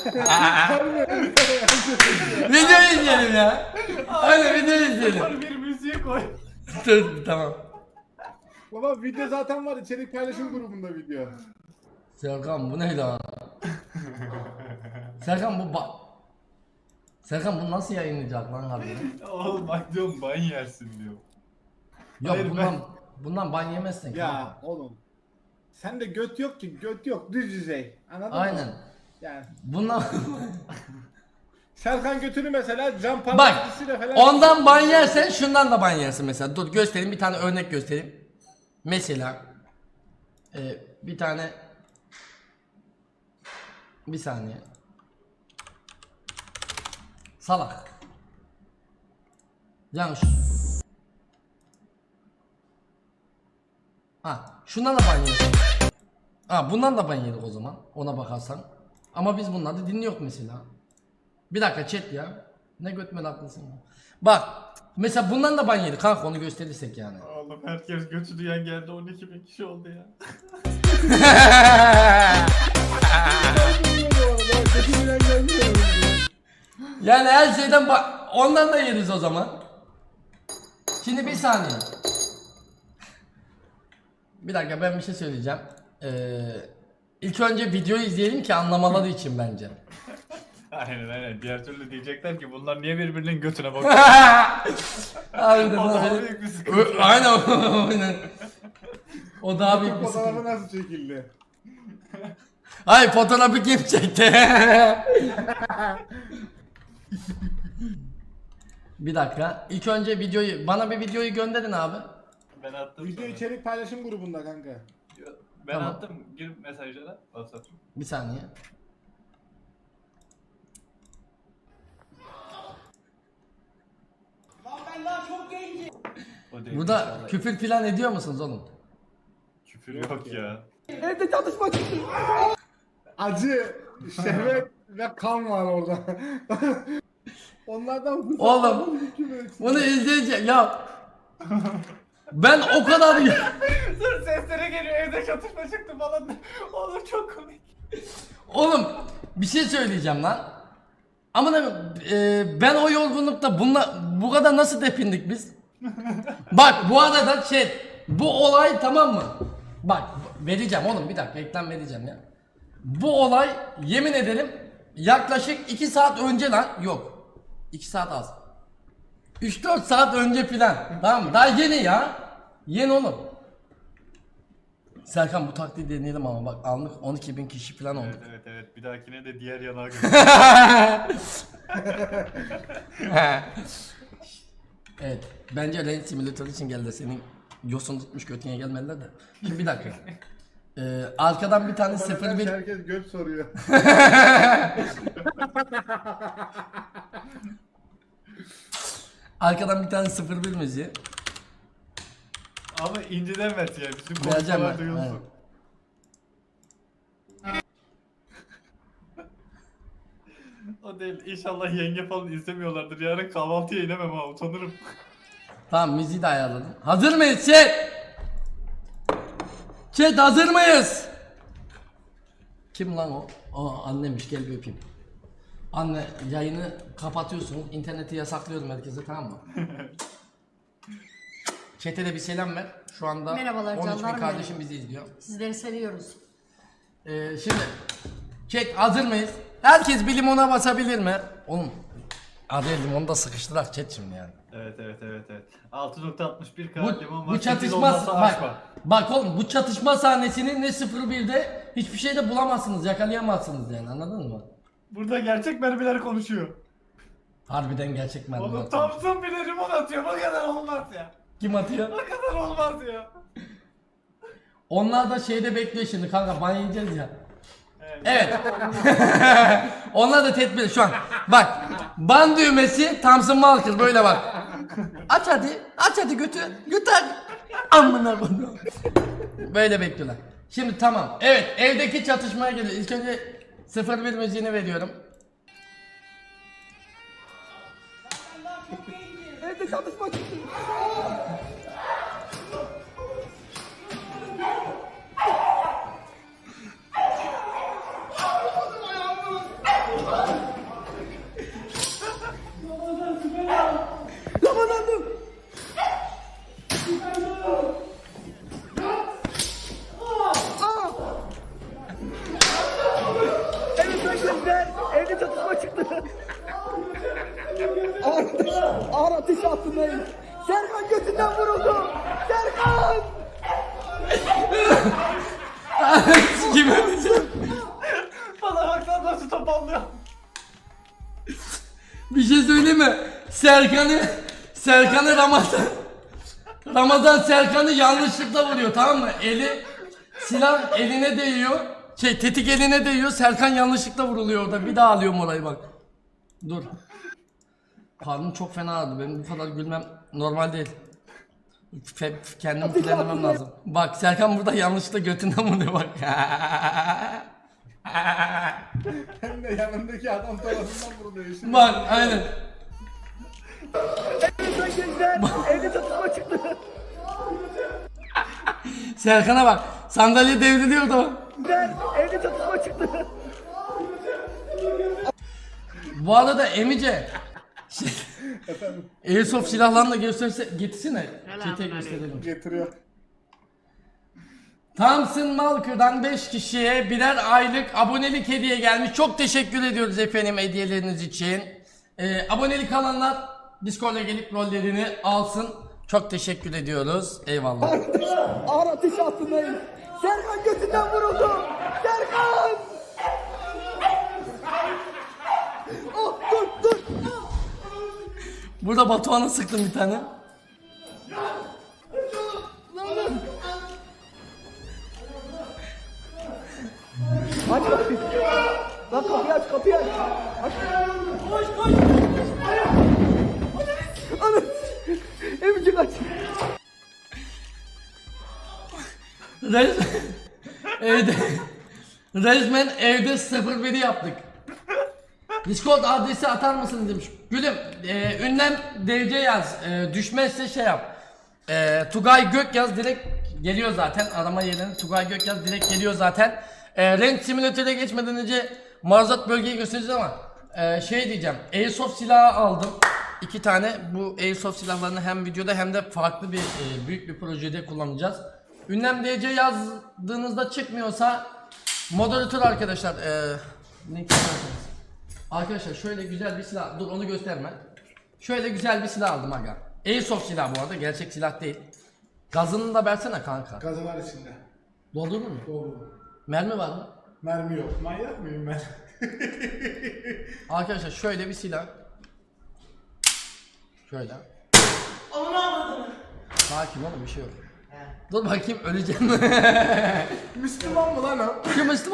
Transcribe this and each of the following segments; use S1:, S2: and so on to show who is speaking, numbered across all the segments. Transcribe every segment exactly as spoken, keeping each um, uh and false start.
S1: Video izleyelim ya. Hadi video izleyelim.
S2: Bir müziğe koy.
S1: Dur tamam.
S3: Baba video zaten var, içerik paylaşım grubunda video.
S1: Serkan bu ne lan? Serkan bu ba... Serkan bu nasıl yayınlayacak lan harbiden?
S2: Oğlum bak diyorum ban yersin diyor.
S1: Yok
S2: Hayır,
S1: bundan
S2: ben-
S1: bundan ban yemezsin.
S3: Ya oğlum. Sende göt yok ki, göt yok, düz yüzey. Anladın
S1: Aynen.
S3: mı? Yani
S1: Bundan
S3: Serkan götünü mesela cam
S1: bak
S3: parçasıyla falan.
S1: ondan ban yersen şundan da ban yersin mesela. Dur göstereyim bir tane örnek göstereyim. Mesela e, bir tane bir saniye. Salak. Yani şu... Ha, şundan da ban yersin. Ha, bundan da ban yedik o zaman. Ona bakarsan. Ama biz bunları dinliyoruz mesela. Bir dakika chat ya. Ne götmedi haklısın ya. Bak. Mesela bundan da ban yedik kanka, onu gösterirsek yani.
S2: Oğlum herkes götü duyan geldi, on iki bin kişi oldu ya.
S3: Götümden gelmiyor.
S1: Yani her şeyden ba- ondan da yeriz o zaman. Şimdi bir saniye. Bir dakika ben bir şey söyleyeceğim. Ee, ilk önce videoyu izleyelim ki anlamaları için bence.
S2: Aynen aynen. Diğer türlü diyecekler ki bunlar niye birbirinin götüne bakıyor?
S1: Harbiden
S2: O daha
S1: öyle.
S2: büyük bir sıkıntı.
S1: Ö- Aynen aynen. O daha büyük bir
S3: Fotoğrafı
S1: sıkıntı.
S3: nasıl çekildi?
S1: Ay fotoğrafı kim çekti? Bir dakika. İlk önce videoyu bana bir videoyu gönderin abi.
S2: Ben attım.
S3: Video
S2: sana.
S3: içerik paylaşım grubunda kanka.
S2: Ben
S1: Tamam.
S2: attım. Gir mesajlara. WhatsApp.
S1: Bir saniye.
S2: O değil
S1: Burada
S2: inşallah.
S1: küfür filan ediyor musunuz oğlum?
S2: Küfür yok ya.
S3: Acı, şehvet ve kan var orada. Onlardan bu
S1: Oğlum, Bunu izleyeceğim ya. Ben o kadar
S2: Dur seslere geliyor, evde çatışma çıktı falan. Oğlum çok komik.
S1: Oğlum bir şey söyleyeceğim lan. Ama e, ben o yorgunlukta bunla bu kadar nasıl depindik biz? Bak bu arada şey, bu olay tamam mı? Bak vereceğim oğlum, bir dakika reklam vereceğim ya. Bu olay yemin ederim yaklaşık iki saat önce lan, yok iki saat az, üç dört saat önce filan, tamam mı? Daha yeni ya, yeni oğlum. Serkan bu taktiği deneyelim ama bak anlık on iki bin kişi falan oldu.
S2: Evet evet evet. Bir dahakine de diğer yanağa götür.
S1: Evet, bence Rain Simulator için geldi, senin yosun tutmuş götüne gelmediler de. Şimdi bir dakika. Ee, arkadan bir tane sıfır bir
S3: Herkes göt soruyor.
S1: arkadan bir tane sıfır bir müziği.
S2: Ama inceden ver yani. Bütün
S1: Vereceğim
S2: konuşmalar
S1: ben,
S2: duyulsun. O değil. İnşallah yenge falan izlemiyorlardır. Yarın kahvaltıya inemem ha. Utanırım.
S1: Tamam, müziği de ayarladım. Hazır mıyız chat? Chat hazır mıyız? Kim lan o? Aa annemiş, gel bir öpeyim. Anne yayını kapatıyorsunuz. İnterneti yasaklıyorum herkese, tamam mı? Chat'e de bir selam ver. Şu anda
S4: Merhabalar
S1: on üç bin
S4: canlarım
S1: kardeşim
S4: benim.
S1: bizi izliyor.
S4: Sizleri seviyoruz.
S1: Ee, şimdi chat hazır mıyız? Herkes bir limona basabilir mi? Oğlum adaya limonu da sıkıştılar chat şimdi yani.
S2: Evet evet evet evet. altı nokta altmış bir K
S1: Bu,
S2: limon var.
S1: bu
S2: sekiz
S1: çatışma
S2: olmazsa
S1: bak,
S2: açma.
S1: bak oğlum bu çatışma sahnesini ne sıfır birde hiçbir şeyde bulamazsınız, yakalayamazsınız yani, anladın mı?
S2: Burada gerçek mermiler konuşuyor.
S1: Harbiden gerçek
S2: Oğlum
S1: merdiven.
S2: Thompson bile limon atıyor. Bu kadar olmaz ya.
S1: Kim atıyor?
S2: Bu kadar olmaz ya.
S1: Onlar da şeyde bekliyor şimdi kanka, ban yiyeceğiz ya.
S2: Evet.
S1: Evet. Onlar da tedbir şu an. Bak ban düğmesi Thompson Walker böyle bak. Aç hadi. Aç hadi götü. Götü hadi. Amına koyayım. Böyle bekliyorlar. Şimdi tamam. Evet, evdeki çatışmaya geliyor. İlk önce sıfır bir müziğini veriyorum. Evde çatışma çıktı. Ramazan dur.
S4: Evet arkadaşlar, evde çatışma çıktı. Ağır ateş, ağır ateş altındayım. Serkan götünden vuruldu. Serkan!
S1: Kim öldürecek?
S2: Bana baksana nasıl topallıyor.
S1: Bir şey söyleyeyim mi? Serkan'ı Serkan'ı Ramazan Ramazan Serkan'ı yanlışlıkla vuruyor, tamam mı? Eli silah eline değiyor. Şey tetik eline değiyor. Serkan yanlışlıkla vuruluyor orada. Bir daha alıyorum orayı bak. Dur. Karnım çok fena ağrıdı. Benim bu kadar gülmem normal değil. Fe, kendimi frenlemem lazım. Bak Serkan burada yanlışlıkla götünden vuruyor bak.
S3: Hem de yanındaki adam tarafından vuruluyor. Şimdi
S1: Bak aynen.
S4: Evet arkadaşlar, evde çatışma çıktı.
S1: Serkan'a bak. Sandalye devriliyor da bak.
S4: Evde çatışma çıktı.
S1: Bu arada Emice şey,
S3: efendim
S1: Airsoft silahlarını da gösterse getirsene. Çete gösterelim.
S3: getiriyor.
S1: Thompson Malker'dan beş kişiye birer aylık abonelik hediye gelmiş. Çok teşekkür ediyoruz efendim hediyeleriniz için. Ee, abonelik alanlar Discord'a gelip rollerini alsın. Çok teşekkür ediyoruz. Eyvallah.
S4: Ağır ateş altındayım. Serkan götünden vuruldu. Serkan! Oh, dur dur.
S1: Burada Batuhan'a sıktım bir tane.
S4: Aç kapıyı. Lan kapıyı aç, kapıyı aç. Aç. Koş koş. Anam. Emicik aç.
S1: Res evde resmen evde sıfır biri yaptık. Discord adresi atar mısın demiş. Gülüm e, ünlem D C yaz. E, düşmezse şey yap. E, Tugay Gök yaz, direkt geliyor zaten. Arama yerine Tugay Gök yaz, direkt geliyor zaten. E, Range Simulator'a geçmeden önce maruzat bölgeyi göstereceğiz ama e, şey diyeceğim. Airsoft silahı aldım. İki tane. Bu Airsoft silahlarını hem videoda hem de farklı bir e, büyük bir projede kullanacağız. Ünlem D C yazdığınızda çıkmıyorsa moderatör arkadaşlar e, link yazarsınız. Arkadaşlar şöyle güzel bir silah, dur onu gösterme. Şöyle güzel bir silah aldım aga. Airsoft silah bu arada, gerçek silah değil. Gazını da versene kanka.
S3: Gazı var içinde.
S1: Doldurdun mu?
S3: Doğru.
S1: Mermi var mı?
S3: Mermi yok. Manyak mıyım ben?
S1: Arkadaşlar şöyle bir silah. Şöyle. Sakin oğlum, bir şey yok. Dur bakayım, öleceğim.
S3: Müslüman mı lan o?
S1: Kim Müslüman?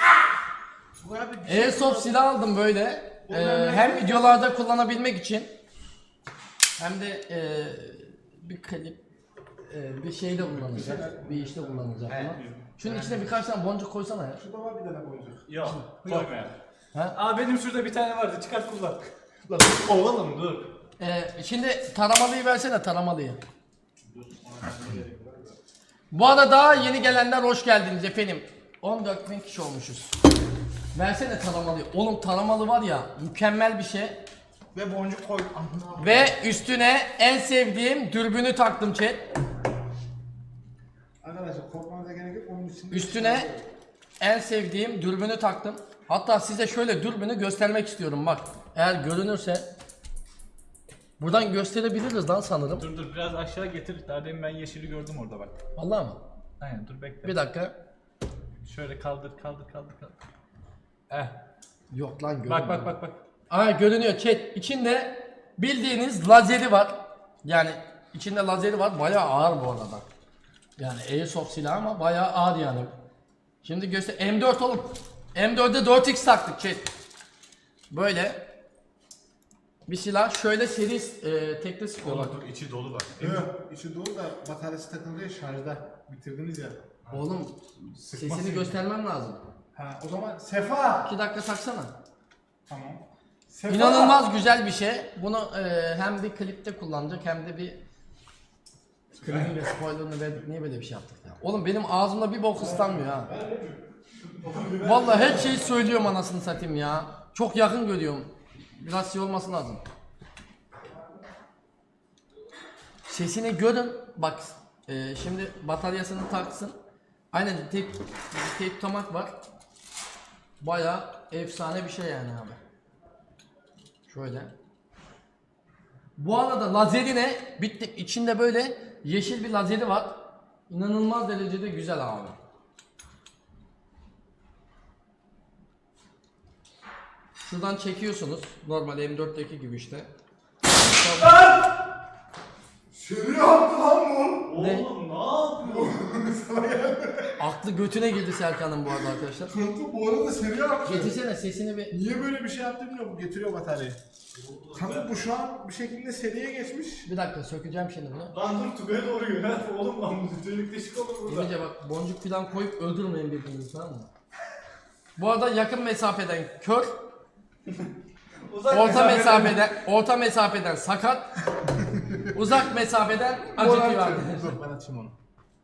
S1: Airsoft silah aldım böyle. Ee, hem videolarda kullanabilmek için hem de e, bir klip e, bir şeyde kullanacak, bir işte kullanacak bunu. Şunun içine birkaç tane boncuk koysana ya.
S3: Şurada var bir tane boncuk.
S2: Yok koyma.
S1: Ha?
S2: Aa benim şurada bir tane vardı, çıkart kullan. Lan oğlum dur.
S1: Ee, şimdi taramalıyı versene, taramalıyı. Bu arada daha yeni gelenler hoş geldiniz efendim. on dört bin kişi olmuşuz. Versene taramalıyı. Oğlum taramalı var ya, mükemmel bir şey.
S3: Ve boncuk koy.
S1: Ve üstüne en sevdiğim dürbünü taktım chat.
S3: Arkadaşlar korkmanıza gerek yok. Onun için
S1: Üstüne en sevdiğim dürbünü taktım. Hatta size şöyle dürbünü göstermek istiyorum bak. Eğer görünürse buradan gösterebiliriz lan sanırım.
S2: Dur dur biraz aşağı getir. Daha demin ben yeşili gördüm orada bak.
S1: Vallahi mı?
S2: Aynen dur bekle.
S1: Bir dakika.
S2: Şöyle kaldır kaldır kaldır kaldır. Eh.
S1: Yok lan görünmüyor.
S2: Bak bak bak bak.
S1: Aa görünüyor chat. İçinde bildiğiniz lazeri var. Yani içinde lazeri var. Bayağı ağır bu arada. Yani Airsoft silah ama bayağı ağır yani. Şimdi göster. M dört oğlum. M dört'e dört x taktık chat. Böyle bir silah. Şöyle seri e, tekli sıkıyor bak.
S2: Dur içi dolu bak.
S3: Yok, içi dolu da bataryası takılı ya, şarjda. Bitirdiniz ya.
S1: Oğlum sesini göstermem lazım.
S3: Ha, o zaman Sefa.
S1: iki dakika taksana.
S3: Tamam. Sefa.
S1: İnanılmaz güzel bir şey. Bunu e, hem bir klipte kullanacak hem de bir klibin de spoilerını verdik. Niye böyle bir şey yaptık ya? Oğlum benim ağzımda bir bok ıslanmıyor ha. Vallahi her şeyi söylüyorum anasını satayım ya. Çok yakın görüyorum. Biraz şey olması lazım. Sesini görün. Bak e, şimdi bataryasını taksın. Aynen tep, tep tutamak var. Bayağı efsane bir şey yani abi. Şöyle. Bu arada lazeri ne? Bitti. İçinde böyle yeşil bir lazeri var. İnanılmaz derecede güzel abi. Şuradan çekiyorsunuz. Normal M dörtteki gibi işte.
S3: Seni yaptı lan bu.
S1: Ne?
S2: Oğlum ne yapıyorsun?
S1: Aklı götüne girdi Serkan'ın bu arada arkadaşlar.
S3: Kanka bu arada seni yaptı.
S1: Getirsene sesini bir.
S3: Niye böyle bir şey yaptı bilmiyorum. Bu getiriyor bataryayı. Kanka bu şu an bir şekilde seriye geçmiş.
S1: Bir dakika sökeceğim şimdi bunu.
S2: Lan dur Tugay'a doğru yönel. Oğlum lan bu delik deşik olur burada.
S1: İyice bak boncuk falan koyup öldürmeyin birbirinizi, tamam mı? Bu arada yakın mesafeden kör,
S2: Uzak
S1: orta
S2: mesafeden-
S1: mesafeden orta mesafeden sakat, uzak mesafeden acıtıyor arkadaşlar.
S3: Dur ben açayım onu.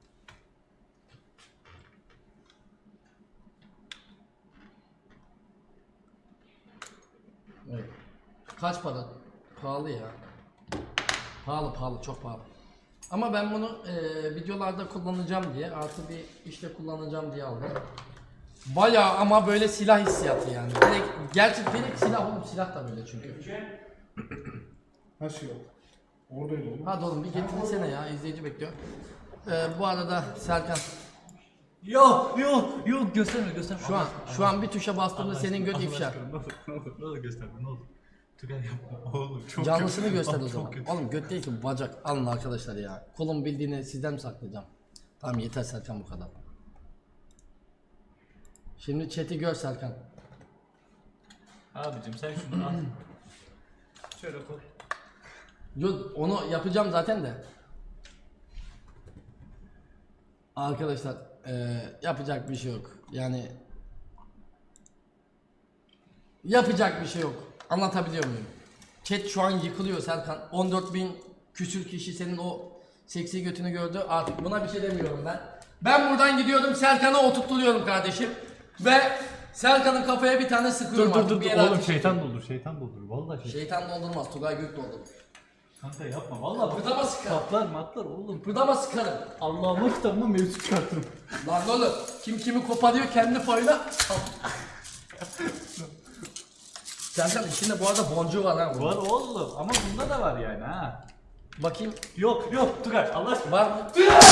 S1: Evet. Kaç para? Pahalı ya. Pahalı pahalı çok pahalı. Ama ben bunu e, videolarda kullanacağım diye, artı bir işte kullanacağım diye aldım. Bayağı ama böyle silah hissiyatı yani. Direkt, gerçi direkt silah oğlum, silah da böyle çünkü.
S3: Ha şey yok. Oradaydı oğlum.
S1: Hadi oğlum bir getirsene ya, izleyici bekliyor. E, bu arada Serkan,
S2: Yok yok yok gösterme gösterme.
S1: şu an şu an bir tuşa bastığımda senin göt ifşa.
S2: Ne olur ne olur ne olur gösterme ne olur. Tugay yapma oğlum çok
S1: Canlısını
S2: kötü.
S1: göster o
S2: Çok
S1: zaman.
S2: kötü.
S1: Oğlum göt değil ki bu, bacak. Alın arkadaşlar ya. Kolum bildiğini sizden mi saklayacağım? Tamam yeter Serkan, bu kadar. Şimdi chat'i gör Serkan.
S2: Abicim sen şunu al. Şöyle koy.
S1: Yo, onu yapacağım zaten de. Arkadaşlar eee, yapacak bir şey yok. Yani yapacak bir şey yok. Anlatabiliyor muyum? Chat şu an yıkılıyor Serkan. on dört bin küsür kişi senin o seksi götünü gördü. Artık buna bir şey demiyorum ben. Ben buradan gidiyorum, Serkan'a oturtturuyorum kardeşim. Ve Serkan'ın kafaya bir tane sıkıyorum
S2: Dur dur
S1: artık,
S2: dur
S1: bir
S2: dur
S1: yere
S2: oğlum
S1: ateş
S2: şeytan
S1: ediyorum.
S2: doldur şeytan doldur vallahi şey.
S1: Şeytan doldurmaz, Tugay Gök doldurur.
S2: Kanka yapma vallahi bak.
S1: Kıpırdama sıkarım.
S2: Patlar matlar oğlum.
S1: Kıpırdama sıkarım.
S2: Allah'ın kitabına mevzu çıkartırım.
S1: Lan oğlum, kim kimi koparıyor kendi payına. Serkan içinde bu arada boncuğu var ha. bunun.
S2: Var oğlum ama bunda da var yani ha.
S1: Bakayım,
S2: Yok yok Tugay Allah aşkına.
S1: var mı?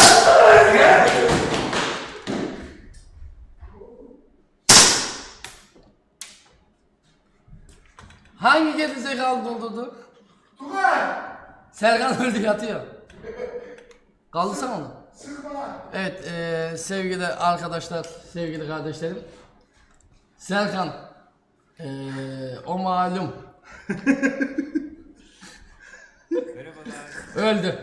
S1: Hangi gerizekalı doldurdu?
S3: Tugay!
S1: Serkan öldü, yatıyor. Kaldırsana onu.
S3: Sıkma.
S1: Evet eee, sevgili arkadaşlar, sevgili kardeşlerim. Serkan eee, o malum öldü.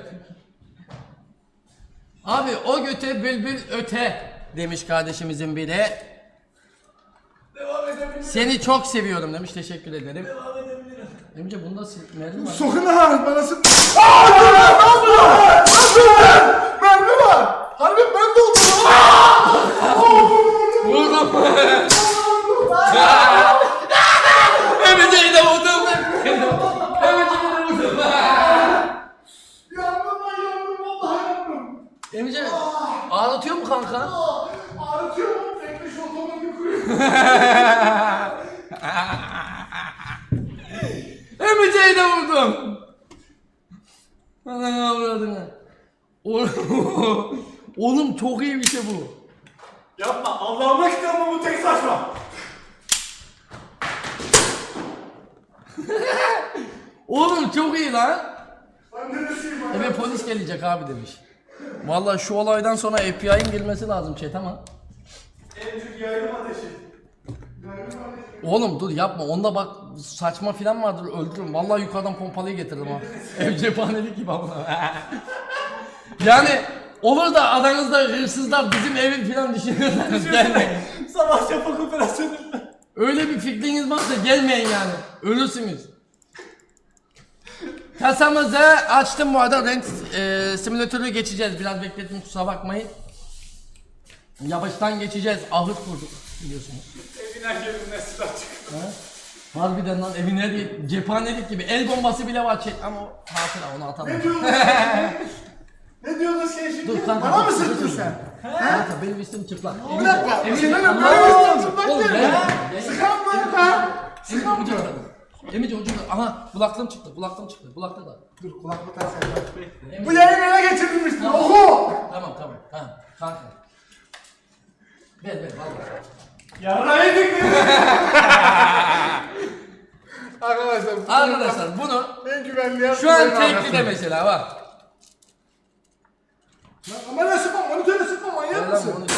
S1: Abi o göte bülbül öte demiş kardeşimizin biri.
S2: Devam edebilirim.
S1: Seni çok seviyorum demiş, teşekkür ederim.
S2: Devam edebilirim.
S1: Emce bunda sil- mermi var.
S3: Sokun ha bana sık. Aaa! Ne yapıyorsun? Mermi var. Harbi ben de oldum.
S1: Vurdum. Emce'yi de vurdum. Emce'yi de vurdum.
S3: Yandım lan yandım vallahi yandım.
S1: Emce ağlatıyor mu kanka?
S3: Ağrıtıyor mu? Bekle şu otomatik kuruyor.
S1: Emce'yi de vurdum. Ananı avradını. Oğlum, oğlum çok iyi bir şey bu.
S2: Yapma Allah'ın kitabına bu tek saçma.
S1: Oğlum çok iyi lan.
S3: Ben neresiyim lan?
S1: Eve polis gelecek abi demiş. Vallahi şu olaydan sonra F B I'nin gelmesi lazım chat ama.
S2: En çok yaylım ateşi.
S1: Oğlum dur yapma, onda bak saçma filan vardır, öldürürüm. Vallahi yukarıdan pompalıyı getiririm ha. Ev cephanelik gibi ama. Yani olur da aranızda hırsızlar bizim evi filan düşünüyorsanız gelmeyin.
S2: Sabah şafak operasyonu.
S1: Öyle bir fikriniz varsa gelmeyin yani. Ölürsünüz. Kasamızı açtım bu arada, renk e, simülatörü geçeceğiz. Biraz beklettim, kusura bakmayın. Yavaştan geçeceğiz. Ahır kurduk biliyorsunuz.
S2: Evin her yerinden silah çıkıyor.
S1: Ha? Harbiden lan evine değil, cephanelik gibi el bombası bile var chat ama o hatıra onu atamam.
S3: Ne diyordun? Ne diyordun sen şimdi?
S1: Dur kanka.
S3: Bana
S1: dur,
S3: mı
S1: dur,
S3: sıktın
S1: dur.
S3: sen?
S1: Kanka benim üstüm çıplak.
S3: Bir dakika.
S1: Emice,
S3: Senin
S1: Allah
S3: benim
S1: Allah.
S3: üstüm çıplak
S1: Oğlum
S3: değil mi?
S1: ben.
S3: Sıkan mı ben? Sıkan
S1: Emice
S3: mı?
S1: ucunda. Emice ucunda. Aha kulaklığım çıktı. Kulaklığım çıktı. Kulakta da.
S3: Dur kulaklık tak sen.
S1: Emice-
S3: Bu yayını ele geçirmiştin.
S1: Tamam.
S3: Oku.
S1: Tamam tamam. Ha kanka. Ver ver vallahi.
S2: Yarra yedik mi?
S3: Arkadaşlar. bu-
S1: Arkadaşlar bunu
S3: En güvenli yer.
S1: şu an
S3: benim
S1: tekli de
S3: arkasında.
S1: mesela bak.
S3: Lan kameraya sıkma, monitöre sıkma, manyak
S1: Ver lan
S3: mısın?
S1: bunu.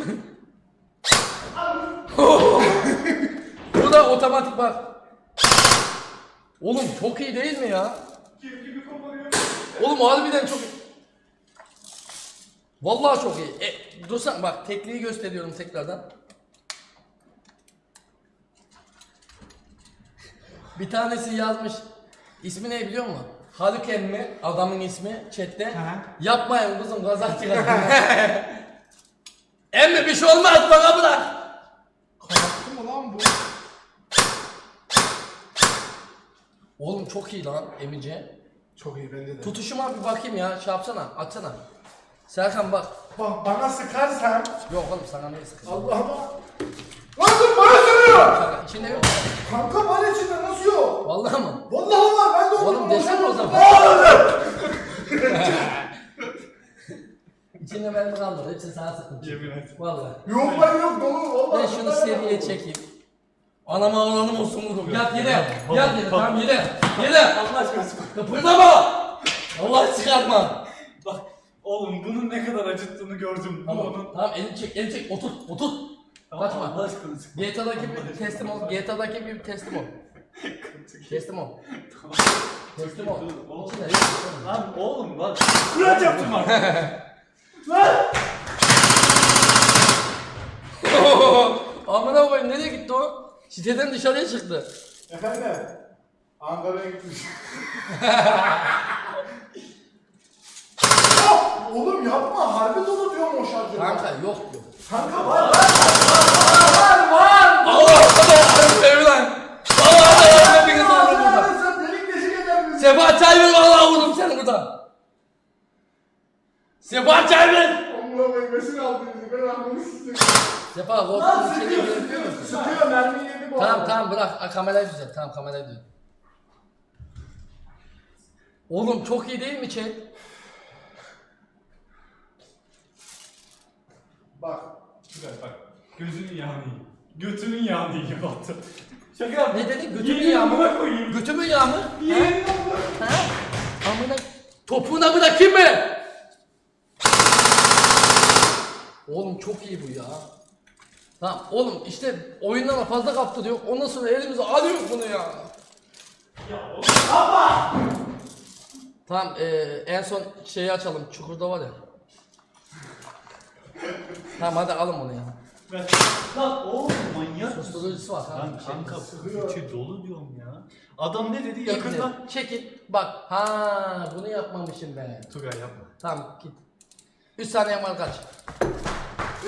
S1: Bu da otomatik bak. Oğlum çok iyi değil mi ya? Oğlum harbiden çok iyi. Vallahi çok iyi. E, dursan bak tekliği gösteriyorum tekrardan. Bir tanesi yazmış. İsmi ne biliyor musun? Haluk emmi adamın ismi chatte. Yapmayın kızım kazak çıkar. Emmi bir şey olmaz bana bırak.
S3: Kapattı mı lan bu?
S1: Oğlum çok iyi lan emice.
S3: Çok iyi bence de.
S1: Tutuşuma bir bakayım ya. Şey yapsana, açsana. Serkan bak.
S3: Bak bana sıkarsan
S1: Yok oğlum sana ne sıkıntı?
S3: Allah'ıma. Lan dur bana sürüyor.
S1: Şaka, içinde yok.
S3: Kanka var içinde nasıl yok?
S1: Vallahi mı?
S3: Vallahi var ben de onu
S1: Oğlum desene o zaman. İçinde benim kalmadı. Hepsi sana sıkıntı.
S2: Yemin et.
S1: Vallahi.
S3: Yok ben yok dolu vallahi.
S1: Ben şunu seriye çekeyim. Anama ağlanım olsun vururum. Yat yere. Yat yere. Tamam yere. Yere.
S2: Allah aşkına sıkma.
S1: Kıpırdama. Allah çıkartma.
S2: Bak oğlum bunun ne kadar acıttığını gördüm. Bu
S1: Tamam.
S2: onun.
S1: Tamam elini çek. Elini çek. Otur. Otur.
S2: Tamam,
S1: Kaçma.
S2: Allah aşkına sıkma.
S1: G T A'daki bir teslim ol. G T A'daki bir teslim ol. Teslim ol. Teslim ol.
S2: Oğlum.
S1: İçinde yok.
S2: Lan oğlum lan. Kuraç yaptım bak.
S1: Amına koyayım nereye gitti o? Siteden dışarıya çıktı.
S3: Efendim? Ankara'ya gitmiş. Oh, oğlum yapma harbi dolu diyorum o şarjı.
S1: Kanka yok yok.
S3: Kanka var var var var var.
S1: Allah Allah sevi lan. Allah Allah hepiniz olur burada.
S3: Sen delik deşik eder misin?
S1: Sefa Çayver vallahi vururum seni burada. Sefa Çayver.
S3: Allah'a koymasını aldı bizi ben anlamı sıkıyorum.
S1: Sefa
S3: Lan
S1: korktuğun içeri
S3: sıkıyor
S1: girebiliyor
S3: sıkıyor
S1: musun?
S3: sıkıyor mermi yedi bu
S1: Tamam
S3: arada.
S1: tamam bırak A, kamerayı düzelt. Tamam kamerayı düzelt. Oğlum çok iyi değil mi chat?
S3: Bak.
S2: Güzel bak. Gözünün yağını yiyin. Götünün yağını yiyin battı. Şaka yapma.
S1: Ne dedin? Götümün
S2: Yiyin,
S1: yağı mı?
S2: amına koyayım.
S1: Götümün yağı mı?
S2: Yiyin.
S1: Ha? Amına topuğuna bırakayım mı? Oğlum çok iyi bu ya. Tamam oğlum işte oyundan fazla kaptırıyor. Ondan sonra elimize alıyor bunu ya. Tamam eee en son şeyi açalım. Çukurda var ya. Tamam hadi alın bunu ya.
S2: Ben- Lan oğlum manyak mısın?
S1: Susturucusu var
S2: Lan
S1: tamam.
S2: kanka içi dolu diyorum ya. Adam ne dedi
S1: Yakından.
S2: yakından?
S1: Çekil. Bak. Ha bunu yapmamışım ben.
S2: Tugay yapma.
S1: Tamam git. üç saniye var kaç. üç.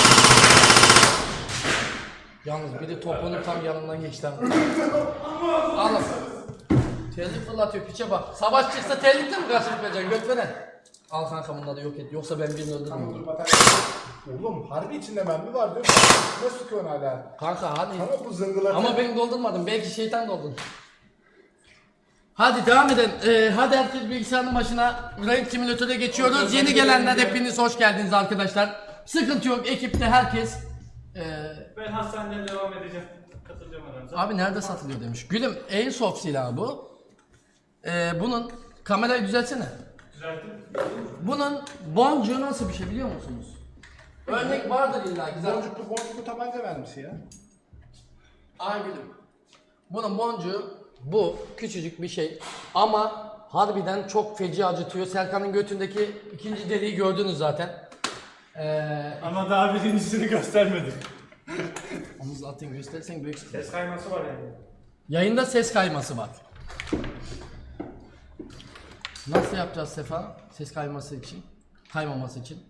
S1: Yalnız biri topunun tam yanından geçti. Alın. Terlik fırlatıyor piçe bak. Savaş çıksa terlikle mi karşılık vereceksin götveren? Al kanka bunları yok et. Yoksa ben birini
S3: Tamam dur
S1: öldürürüm.
S3: batarya. Oğlum harbi içinde mermi var diyor. Ne sıkıyorsun hala?
S1: Kanka hadi.
S3: Sana bu zıngılatı.
S1: Ama ben doldurmadım. Belki şeytan doldurdu. Hadi devam edelim. Ee, hadi herkes bilgisayarın başına. Raid Simulator'a geçiyoruz. Yeni gelenler hepiniz hoş geldiniz arkadaşlar. Sıkıntı yok. Ekipte herkes. Ee,
S2: Ben hastaneden devam edeceğim. Katılacağım aranıza.
S1: abi nerede satılıyor demiş. Gülüm Airsoft silahı bu. Ee, bunun kamerayı düzeltsene.
S2: Düzelttim.
S1: Bunun boncuğu nasıl bir şey biliyor musunuz? Örnek vardır illa ki. zaten.
S3: Boncuklu boncuklu tabanca vermişsin ya.
S1: Ay gülüm. Bunun boncuğu bu küçücük bir şey ama harbiden çok feci acıtıyor. Serkan'ın götündeki ikinci deliği gördünüz zaten. Ee,
S2: Ama daha birincisini göstermedim.
S1: omuz atın göstersen büyük sıkıntı.
S2: Ses kayması var yani.
S1: Yayında ses kayması var. Nasıl yapacağız Sefa? Ses kayması için, kaymaması için.